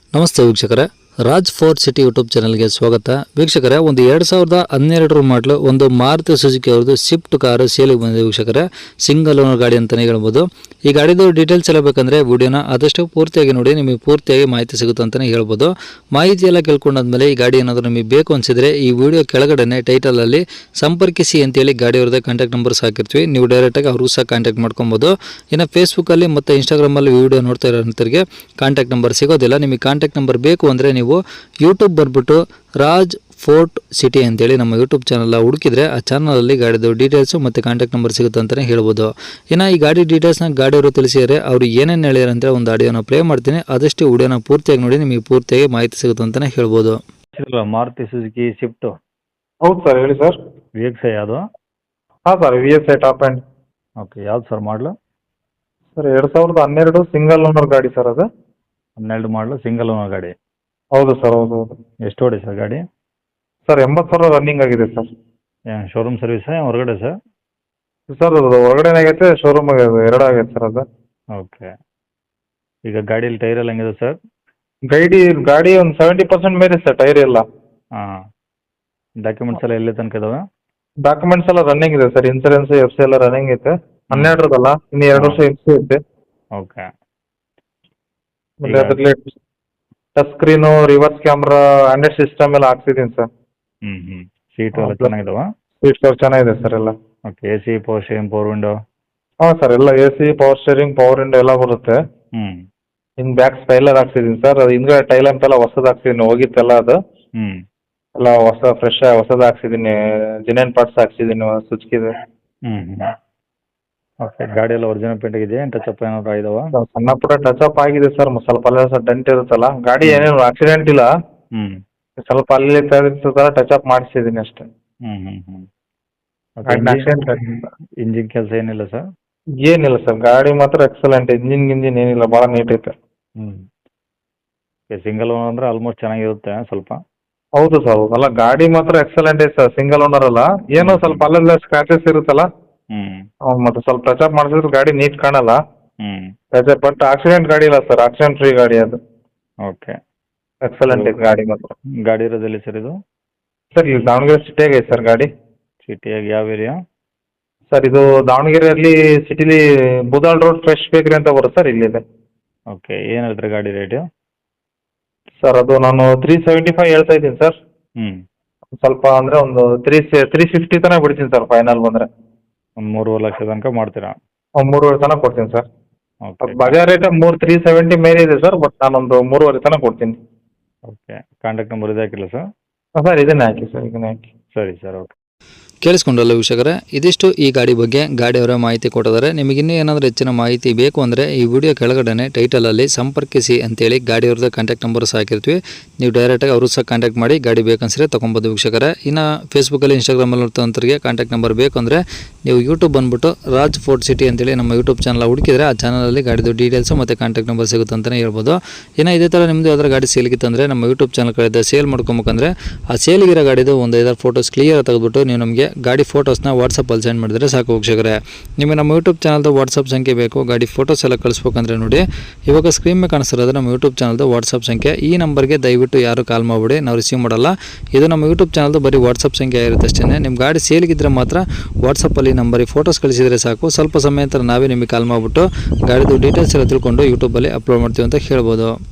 ನಮಸ್ತೆ ವೀಕ್ಷಕರೇ, Raj fort city YouTube ಚಾನಲ್ಗೆ ಸ್ವಾಗತ. ವೀಕ್ಷಕರೇ, ಒಂದು 2012 ಮಾಡಲು ಒಂದು ಮಾರುತಿ ಸುಜುಕಿ ಅವ್ರದ್ದು ಸ್ವಿಫ್ಟ್ ಕಾರು ಸೇಲಿಗೆ ಬಂದಿದೆ ವೀಕ್ಷಕರೇ. ಸಿಂಗಲ್ ಓನರ್ ಗಾಡಿ ಅಂತಲೇ ಹೇಳ್ಬೋದು. ಈ ಗಾಡಿದು ಡೀಟೇಲ್ಸ್ ಎಲ್ಲ ಬೇಕಂದರೆ ವಿಡಿಯೋನ ಆದಷ್ಟು ಪೂರ್ತಿಯಾಗಿ ನೋಡಿ, ನಿಮಗೆ ಪೂರ್ತಿಯಾಗಿ ಮಾಹಿತಿ ಸಿಗುತ್ತೆ ಅಂತಲೇ ಹೇಳ್ಬೋದು. ಮಾಹಿತಿ ಎಲ್ಲ ಕೇಳ್ಕೊಂಡಾದ್ಮೇಲೆ ಈ ಗಾಡಿ ಏನಾದರೂ ನಿಮಗೆ ಬೇಕು ಅನಿಸಿದರೆ ಈ ವಿಡಿಯೋ ಕೆಳಗಡೆ ಟೈಟಲಲ್ಲಿ ಸಂಪರ್ಕಿಸಿ ಅಂತೇಳಿ ಗಾಡಿ ಅವ್ರದ್ದೇ ಕಾಂಟ್ಯಾಕ್ಟ್ ನಂಬರ್ಸ್ ಹಾಕಿರ್ತೀವಿ. ನೀವು ಡೈರೆಕ್ಟಾಗಿ ಅವ್ರಿಗೂ ಸಹ ಕಾಂಟ್ಯಾಕ್ಟ್ ಮಾಡ್ಕೊಬೋದು. ಇನ್ನು ಫೇಸ್ಬುಕ್ಕಲ್ಲಿ ಮತ್ತು ಇನ್ಸ್ಟಾಗ್ರಾಮಲ್ಲಿ ವಿಡಿಯೋ ನೋಡ್ತಾ ಇರೋಂಥವ್ರಿಗೆ ಕಾಂಟ್ಯಾಕ್ಟ್ ನಂಬರ್ ಸಿಗೋದಿಲ್ಲ. ನಿಮಗೆ ಕಾಂಟ್ಯಾಕ್ಟ್ ನಂಬರ್ ಬೇಕು ಅಂದರೆ ನೀವು ಯೂಟ್ಯೂಬ್ ಬಂದ್ಬಿಟ್ಟು ರಾಜ್ ಫೋರ್ಟ್ ಸಿಟಿ ಅಂತೇಳಿ ನಮ್ಮ ಯೂಟ್ಯೂಬ್ ಚಾನಲ್ ಹುಡುಕಿದ್ರೆ ಆ ಚಾನಲಲ್ಲಿ ಗಾಡಿದು ಡೀಟೇಲ್ಸು ಮತ್ತು ಕಾಂಟ್ಯಾಕ್ಟ್ ನಂಬರ್ ಸಿಗುತ್ತೆ ಅಂತಲೇ ಹೇಳ್ಬೋದು. ಇನ್ನು ಈ ಗಾಡಿ ಡೀಟೇಲ್ಸ್ನ ಗಾಡಿಯವರು ತಿಳಿಸಿದರೆ ಅವರು ಏನೇನು ಹೇಳಿದಾರೆ ಅಂತ ಒಂದು ಆಡಿಯೋನ ಪ್ಲೇ ಮಾಡ್ತೀನಿ. ಆದಷ್ಟು ವಿಡಿಯೋನ ಪೂರ್ತಿಯಾಗಿ ನೋಡಿ, ನಿಮಗೆ ಪೂರ್ತಿಯಾಗಿ ಮಾಹಿತಿ ಸಿಗುತ್ತೆ ಅಂತಲೇ ಹೇಳ್ಬೋದು. Maruti Suzuki Swift. ಹೌದು ಸರ್, ಹೇಳಿ ಸರ್. ವಿ ಎಕ್ಸ್ ಐ ಯಾವುದು? ಹಾಂ sir, V S I top end. Okay, ಯಾವ್ದು ಸರ್ ಮಾಡಲು? ಸರ್ 2012 ಸಿಂಗಲ್ ಓನರ್ ಗಾಡಿ ಸರ್ ಅದು. 12 ಮಾಡಲು ಸಿಂಗಲ್ ಓನರ್ ಗಾಡಿ. ಹೌದು ಸರ್, ಹೌದು. ಎಷ್ಟು ಓಡಿ ಸರ್ ಗಾಡಿ? ಸರ್ 80,000 ರನ್ನಿಂಗ್ ಆಗಿದೆ ಸರ್. ಏನು ಶೋರೂಮ್ ಸರ್ವಿಸ್ ಹೊರಗಡೆ ಸರ್? ಸರ್ ಅದು ಹೊರಗಡೆನೇ ಆಗೈತೆ, ಶೋರೂಮ್ ಆಗೈತೆ, ಎರಡು ಆಗೈತೆ ಸರ್ ಅದು. ಓಕೆ, ಈಗ ಗಾಡೀಲಿ ಟೈರ್ ಎಲ್ಲ ಹೆಂಗಿದೆ ಸರ್? ಗಾಡಿ ಒಂದು 70% ಮೇಲೆ ಸರ್ ಟೈರ್ ಎಲ್ಲ. ಹಾಂ, ಡಾಕ್ಯುಮೆಂಟ್ಸ್ ಎಲ್ಲ ಎಲ್ಲಿ ತನಕ ಇದಾವೆ? ಡಾಕ್ಯುಮೆಂಟ್ಸ್ ಎಲ್ಲ ರನ್ನಿಂಗ್ ಇದೆ ಸರ್. ಇನ್ಸೂರೆನ್ಸ್ FC ಎಲ್ಲ ರನ್ನಿಂಗ್ ಐತೆ. 12 ಇನ್ನು 2 ವರ್ಷ FC ಐತೆ. ಓಕೆ, ಮತ್ತೆ ಅದರಲ್ಲಿ touch screen, reverse camera, android system ಎಲ್ಲ ಹಾಕ್ಸಿದ್ದೀನಿ ಸರ್. ಸೀಟು ಎಲ್ಲ ಚೆನ್ನಾಗಿದಾವ? ಸೀಟ್ ಕವರ್ ಚೆನ್ನಾಗಿದೆ ಸರ್ ಎಲ್ಲ. Okay, A C, power steering, power window? ಹಾಂ ಸರ್, ಎಲ್ಲ AC, power steering, power window ಎಲ್ಲ ಬರುತ್ತೆ. ಇನ್ನು ಬ್ಯಾಕ್ ಸ್ಪೈಲರ್ ಹಾಕ್ಸಿದ್ದೀನಿ ಸರ್. ಅದು ಹಿಂದ್ಗಡೆ ಟೈಲ್ ಅಂತೆಲ್ಲ ಹೊಸದು ಹಾಕ್ಸಿದ್ದೀನಿ, ಹೋಗಿತ್ತೆಲ್ಲ ಅದು. ಎಲ್ಲ ಫ್ರೆಶ್ ಹೊಸದು ಹಾಕ್ಸಿದ್ದೀನಿ. ಜಿನೇನ್ ಪಾರ್ಟ್ಸ್ ಹಾಕ್ಸಿದ್ದೀನಿ ಸುಚ್ಕಿದೆ. ಓಕೆ, ಗಾಡಿ ಎಲ್ಲ ಒರಿಜಿನಲ್ ಪೇಂಟ್ ಇದೆಯಾ? ಟಚ್ ಅಪ್ ಏನಾದ್ರು ಆಗಿದಾವ? ಸಣ್ಣ ಪುಟ್ಟ ಟಚ್ ಅಪ್ ಆಗಿದೆ ಸರ್. ಸ್ವಲ್ಪ ಅಲ್ಲ ಸರ್ ಡೆಂಟ್ ಇರುತ್ತಲ್ಲ. ಗಾಡಿ ಏನೇನು ಆಕ್ಸಿಡೆಂಟ್ ಇಲ್ಲ, ಸ್ವಲ್ಪ ಅಲ್ಲಿ ತರ ಟಚ್ ಅಪ್ ಮಾಡಿಸಿದ್ದೀನಿ ಅಷ್ಟೇ. ಆಕ್ಸಿಡೆಂಟ್ ಇಂಜಿನ್ ಕೆಲಸ ಏನಿಲ್ಲ ಸರ್? ಏನಿಲ್ಲ ಸರ್, ಗಾಡಿ ಮಾತ್ರ ಎಕ್ಸಲೆಂಟ್. ಇಂಜಿನ್ ಏನಿಲ್ಲ, ಭಾಳ ನೀಟ್ ಐತೆ. ಸಿಂಗಲ್ ಓನರ್ ಅಂದ್ರೆ ಆಲ್ಮೋಸ್ಟ್ ಚೆನ್ನಾಗಿರುತ್ತೆ ಸ್ವಲ್ಪ. ಹೌದು ಸರ್, ಅಲ್ಲ ಗಾಡಿ ಮಾತ್ರ ಎಕ್ಸಲೆಂಟ್ ಐತೆ ಸರ್. ಸಿಂಗಲ್ ಓನರ್ ಅಲ್ಲ, ಏನೋ ಸ್ವಲ್ಪ ಅಲ್ಲೆಲ್ಲ ಸ್ಕ್ರಾಚಸ್ ಇರುತ್ತಲ್ಲ, ಮತ್ತೆ ಸ್ವಲ್ಪ ಟಚ್ ಅಪ್ ಮಾಡಿಸಿದ್ರೆ ಗಾಡಿ ನೀಟ್ ಕಾಣಲ್ಲ. ಬಟ್ ಆಕ್ಸಿಡೆಂಟ್ ಗಾಡಿ ಇಲ್ಲ ಸರ್, ಆಕ್ಸಿಡೆಂಟ್ ಫ್ರೀ ಗಾಡಿ ಅದು. ಓಕೆ, ಎಕ್ಸಲೆಂಟ್ ಐತೆ ಗಾಡಿ ಮಾತ್ರ. ಗಾಡಿ ಇರೋದಲ್ಲಿ ಸರ್ ಇದು? ಸರ್ ಇಲ್ಲಿ ದಾವಣಗೆರೆ ಸಿಟಿಯಾಗ ಐತೆ ಸರ್ ಗಾಡಿ. ಸಿಟಿಯಾಗಿ ಯಾವ ಏರಿಯಾ ಸರ್? ಇದು ದಾವಣಗೆರೆಯಲ್ಲಿ ಸಿಟಿಲಿ ಬುದಾಳ್ ರೋಡ್ ಫ್ರೆಶ್ ಬೇಕ್ರಿ ಅಂತ ಬರುತ್ತೆ ಸರ್, ಇಲ್ಲಿದೆ. ಓಕೆ, ಏನು ಹೇಳ್ತಾರೆ ಗಾಡಿ ರೇಟು? ಸರ್ ಅದು ನಾನು 375 ಹೇಳ್ತಾ ಇದ್ದೀನಿ ಸರ್. ಸ್ವಲ್ಪ ಅಂದರೆ ಒಂದು 350 ತನಕ ಬಿಡ್ತೀನಿ ಸರ್, ಫೈನಲ್ ಬಂದರೆ. ಒಂದು 3.5 ಲಕ್ಷ ತನಕ ಮಾಡ್ತೀರಾ? 3.5 ತನಕ ಕೊಡ್ತೀನಿ ಸರ್. ಓಕೆ, ಬಜಾರ್ ರೇಟ್ 370 ಮೇಲೆ ಇದೆ ಸರ್, ಬಟ್ ನಾನೊಂದು 3.5 ತನಕ ಕೊಡ್ತೀನಿ. ಓಕೆ, ಕಾಂಟ್ಯಾಕ್ಟ್ ನಂಬರ್ ಇದೆ ಹಾಕಿಲ್ಲ ಸರ್? ಸರ್ ಇದನ್ನೇ ಹಾಕಿ ಸರ್, ಇದನ್ನೇ ಹಾಕಿ. ಸರಿ ಸರ್, ಓಕೆ. ಕೇಳಿಸ್ಕೊಂಡಲ್ಲ ವೀಕ್ಷಕರೇ, ಇದಿಷ್ಟು ಈ ಗಾಡಿ ಬಗ್ಗೆ ಗಾಡಿಯವರ ಮಾಹಿತಿ ಕೊಟ್ಟಿದ್ದಾರೆ. ನಿಮಗೆ ಇನ್ನೂ ಏನಾದರೂ ಹೆಚ್ಚಿನ ಮಾಹಿತಿ ಬೇಕು ಅಂದರೆ ಈ ವಿಡಿಯೋ ಕೆಳಗಡೆ ಟೈಟಲಲ್ಲಿ ಸಂಪರ್ಕಿಸಿ ಅಂತೇಳಿ ಗಾಡಿಯವ್ರದ್ದು ಕಾಂಟ್ಯಾಕ್ಟ್ ನಂಬರ್ಸ್ ಹಾಕಿರ್ತೀವಿ. ನೀವು ಡೈರೆಕ್ಟಾಗಿ ಅವರು ಸಹ ಕಾಂಟ್ಯಾಕ್ಟ್ ಮಾಡಿ ಗಾಡಿ ಬೇಕನ್ಸಿದ್ರೆ ತೊಗೊಬೋದು ವೀಕ್ಷಕರೇ. ಇನ್ನು ಫೇಸ್ಬುಕ್ಕಲ್ಲಿ, ಇನ್ಸ್ಟಾಗ್ರಾಮಲ್ಲಿ ನೋಡ್ತಂತರಿಗೆ ಕಾಂಟ್ಯಾಕ್ಟ್ ನಂಬರ್ ಬೇಕು ಅಂದರೆ ನೀವು ಯೂಟ್ಯೂಬ್ ಬಂದುಬಿಟ್ಟು ರಾಜ್ ಫೋರ್ಟ್ ಸಿಟಿ ಅಂತೇಳಿ ನಮ್ಮ ಯೂಟ್ಯೂಬ್ ಚಾನಲ್ ಹುಡುಕಿದ್ರೆ ಆ ಚಾನಲಲ್ಲಿ ಗಾಡಿದು ಡೀಟೇಲ್ಸು ಮತ್ತು ಕಾಂಟ್ಯಾಕ್ಟ್ ನಂಬರ್ ಸಿಗುತ್ತೆ ಅಂತಲೇ ಹೇಳ್ಬೋದು. ಇನ್ನು ಇದೇ ಥರ ನಿಮ್ಮದು ಯಾವ್ದಾರು ಗಾಡಿ ಸೇಲ್ಗಿತ್ತಂದರೆ ನಮ್ಮ ಯೂಟ್ಯೂಬ್ ಚಾನಲ್ ಕಡೆ ಸೇಲ್ ಮಾಡ್ಕೊಬೇಕಂದ್ರೆ ಆ ಸೇಲ್ಗಿರೋ ಗಾಡಿದು ಒಂದು 5 ಫೋಟೋಸ್ ಕ್ಲಿಯರ್ ತೆಗೆದುಬಿಟ್ಟು ನೀವು ನಮಗೆ ಗಾಡಿ ಫೋಟೋಸ್ನ ವಾಟ್ಸಪ್ಪಲ್ಲಿ ಸೆಂಡ್ ಮಾಡಿದರೆ ಸಾಕು ವೀಕ್ಷಕರೇ. ನಿಮಗೆ ನಮ್ಮ ಯೂಟ್ಯೂಬ್ ಚಾನಲ್ದು ವಾಟ್ಸಪ್ ಸಂಖ್ಯೆ ಬೇಕು, ಗಾಡಿ ಫೋಟೋಸ್ ಎಲ್ಲ ಕಳಿಸ್ಬೇಕಂದ್ರೆ ನೋಡಿ ಇವಾಗ ಸ್ಕ್ರೀನ್ ಮೇಲೆ ಕಾಣಿಸ್ತಿರೋದು ನಮ್ಮ ಯೂಟ್ಯೂಬ್ ಚಾನಲ್ದು ವಾಟ್ಸಪ್ ಸಂಖ್ಯೆ. ಈ ನಂಬರ್ಗೆ ದಯವಿಟ್ಟು ಯಾರು ಕಾಲ್ ಮಾಡಿಬಿಡಿ, ನಾವು ರಿಸೀವ್ ಮಾಡಲ್ಲ. ಇದು ನಮ್ಮ ಯೂಟ್ಯೂಬ್ ಚಾನಲ್ದು ಬರೀ ವಾಟ್ಸಪ್ ಸಂಖ್ಯೆ ಇರುತ್ತೆ ಅಷ್ಟೇ. ನಿಮ್ಮ ಗಾಡಿ ಸೇಲ್ಗಿದ್ರೆ ಮಾತ್ರ ವಾಟ್ಸಪ್ಪಲ್ಲಿ ನಂಬರಿಗೆ ಫೋಟೋಸ್ ಕಳಿಸಿದರೆ ಸಾಕು. ಸ್ವಲ್ಪ ಸಮಯ ನಂತರ ನಾವೇ ನಿಮಗೆ ಕಾಲ್ ಮಾಡಿಬಿಟ್ಟು ಗಾಡಿದು ಡೀಟೇಲ್ಸ್ ಎಲ್ಲ ತಿಳ್ಕೊಂಡು ಯೂಟ್ಯೂಬಲ್ಲಿ ಅಪ್ಲೋಡ್ ಮಾಡ್ತೀವಿ ಅಂತ ಹೇಳ್ಬೋದು.